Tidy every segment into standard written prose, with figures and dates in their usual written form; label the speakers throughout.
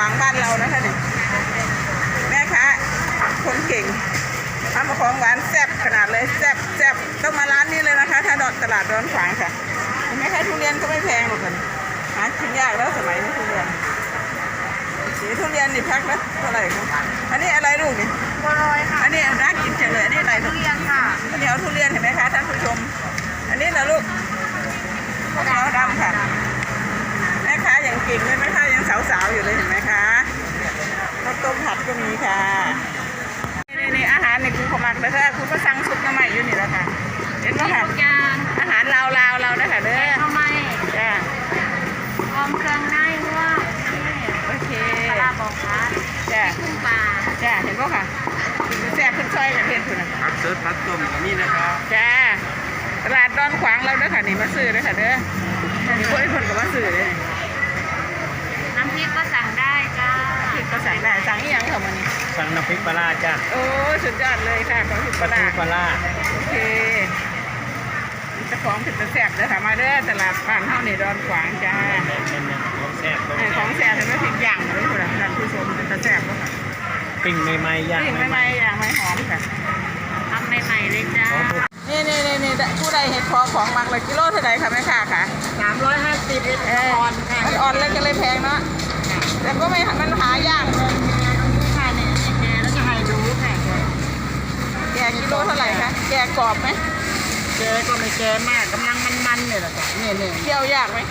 Speaker 1: างบ้านเรานะคะเนี่ยแม่ค้าคนเก่งทำของหวานแซ่บขนาดเลยแซ่บแซ่บต้องมาร้านนี้เลยนะคะถ้าตลาดดอนขวางค่ะเห็นไหมคะทุเรียนก็ไม่แพงหรอกค่ะหากินยากแล้วสมัยนี้ทุเรียนสีทุเรียนนี่แพ็คละเท่าไหร่คะอันนี้อะไรลูกนี่
Speaker 2: บัวลอยค่ะ
Speaker 1: อันนี้น่ากินจังเลยอันนี้อะไร
Speaker 2: ทุเรียนค่ะ
Speaker 1: ข้าวเหนียวทุเรียนเห็นไหมคะท่านผู้ชมอันนี้นะลูกข้าวเหนียวดำค่ะแม่ค้ายังเก่งเลยแม่ค้ายังสาวๆอยู่เลยเห็นไหมคะข้าวต้มผัดก็มีค่ะนี่อาหารในคุณขมักแล้วค่ะคุณก็สั่งซุปน้ำใหม่อยู่นี่แล้วค่ะเห็นไหมคะอาหารลาวเรานะคะเด้อ
Speaker 2: ทำไม
Speaker 1: จ้า
Speaker 2: พร้อมเครื่องในว่า
Speaker 1: โอเค
Speaker 2: ปลาบอกค่ะ
Speaker 1: จ้า
Speaker 2: ขึ้นปลา
Speaker 1: จ้าเห็นไหมคะแซ่บขึ้นซอยกับเพื่อนคุณนะ
Speaker 3: ผักสดผักต้มนี่นะครับ
Speaker 1: จ้าตลาดดอนขวางเราเด้อค่ะนี่มาซื้อเด้อค่ะเด้อมีคนก็มาซื้อเลย
Speaker 2: น้ำพริกก็สั่งได้จ้า
Speaker 1: พริกก็สั่งได้สั่งอีหยังค่ะวันนี้
Speaker 3: สั่งน้ำพริกปลาจ้า
Speaker 1: โอ้สุดยอดเลยค่ะของพริกปลาโอเคเจ้าของผิดแซ่บเด้อค่ะมาเด้อตลาดบ้านเฮานี่ดอนขวางจ้า
Speaker 3: ของแซ่บ
Speaker 1: ของแซ่บเห็นไหมพริกย่างเลยคุณท่านผู้ชมเป็นแซ่บค่ะ
Speaker 3: ปิ้งใหม่ๆย่าง
Speaker 1: ปิ้งใหม่ๆย่างไม่หอมค่ะ
Speaker 2: ทำใหม่ๆเลยจ้า
Speaker 1: นี่ผู้ใดเห็ดพอของมักเลยกิโลเท่าไหร่คะแม่ค้าค่ะ
Speaker 2: 350เอ็ด
Speaker 1: อ่อนค่ะอ่อนแล้วก็เลยแพงเนาะแต่ก็ไม่มันหายาก
Speaker 2: ค่ะเนี่ยแกแล้วจะให้ดูค่ะ
Speaker 1: แกกิโลเท่าไหร่คะแกกรอบไหม
Speaker 2: แกก็ไม่แกมากกำลังมันๆเนี่ยแหละค่ะเนี่ย
Speaker 1: เคี่ยวยากไหมแก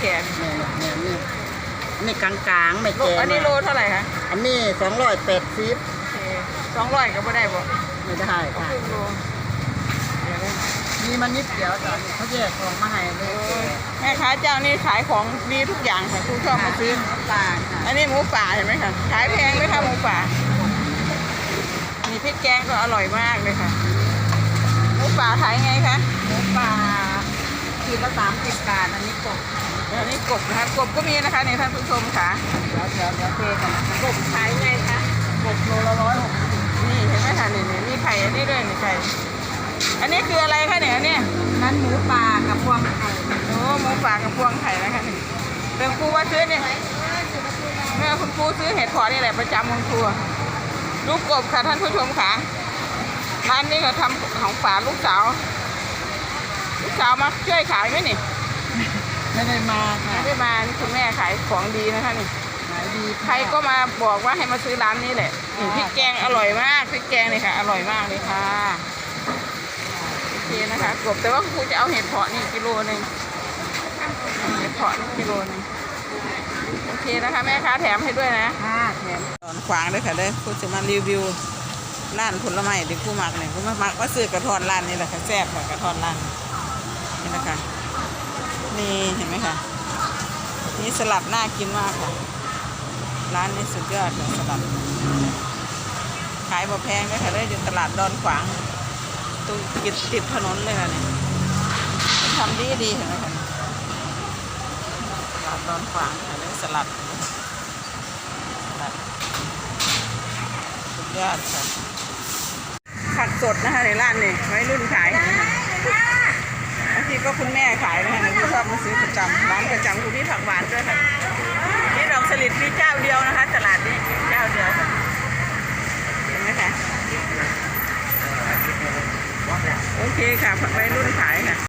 Speaker 2: นี่กลางๆไม่แก
Speaker 1: อันนี้โลเท่าไหร่คะ
Speaker 2: อันนี้280
Speaker 1: 200ก็ไม่ได้บ่
Speaker 2: ไม่ได้ค่ะมีมันนิดเดียวจ้ะเขาแยกของมาให้เลย
Speaker 1: แม่ค้าเจ้านี่ขายของดีทุกอย่างค่ะคุณชอบมาซื้อ
Speaker 2: ปลา
Speaker 1: อันนี้หมูป่าเห็นไหมคะขายแพงไหมคะหมูป่ามีพริกแกงก็อร่อยมากเลยค่ะหมูป่าขายไงคะ
Speaker 2: หมูป่าขีดละ30 บาทอันนี้กบ
Speaker 1: นะคะกบก็มีนะคะนี่ท่านผู้ชมค่ะ
Speaker 2: เดี๋ยวเทกัน
Speaker 1: กบขายไงคะ
Speaker 2: กบโลละ160
Speaker 1: นี่เห็นไหมคะนี่มีไข่อันนี้ด้วยนี่ไข่อันนี้คืออะไรคะเนี่ยเนี่ย
Speaker 2: นั้นหมูป่ากับพวงไข่
Speaker 1: โอ้หมูป่ากับพวงไข่นะคะนี่เรื่องครูว่าซื้อเนี่ยเมื่อคุณครูซื้อเห็ดพอนี่แหละประจำของครูลูกกบค่ะท่านผู้ชมค่ะร้านนี้เขาทำของฝากลูกสาวมาช่วยขายไหมนี่
Speaker 2: ไม่ได้มาค่ะ
Speaker 1: ไม่ได้มาคุณแม่ขายของดีนะคะนี่
Speaker 2: ขายดี
Speaker 1: ใครก็มาบอกว่าให้มาซื้อร้านนี้แหละพริกแกงอร่อยมากพริกแกงเลยค่ะอร่อยมากเลยค่ะโอเคนะคะกบแต่ว่าครูจะเอาเห็ดเพาะนี่กิโลนึงเห็ดเพาะกิโลนึงโอเคนะคะแม่ค้าแถมให้ด้วยนะ
Speaker 2: แถม
Speaker 1: ตอนขวางเลยค่ะเลยครูจะมารีวิวร้านผลไม้ที่ครูมักเนี่ยครูมักว่าซื้อกระทอนร้านนี่แหละค่ะแซ่บค่ะกระทอนร้านนี่นะคะนี่เห็นไหมคะนี่สลัดน่ากินมากค่ะร้านนี้สุดยอดเลยสลัดขายบ่แพงเลยค่ะเลยอยู่ตลาดดอนขวางตรงติดถนนเลยค่ะเนี่ยทำดีเห็นไหมคะตลาดดอนขวางค่ะเลยสลัดสุดยอดค่ะผักสดนะคะในร้านนี่ไว้รุ่นขายบางทีก็คุณแม่ขายนะคะที่ชอบมาซื้อประจำร้านประจำคุณพี่ผักหวานด้วยค่ะนี่ดอกสลิดมีเจ้าเดียวนะคะตลาดนี้เจ้าเดียวค่ะเห็นไหมคะโอเคค่ะผักไว้รุ่นขายค่ะ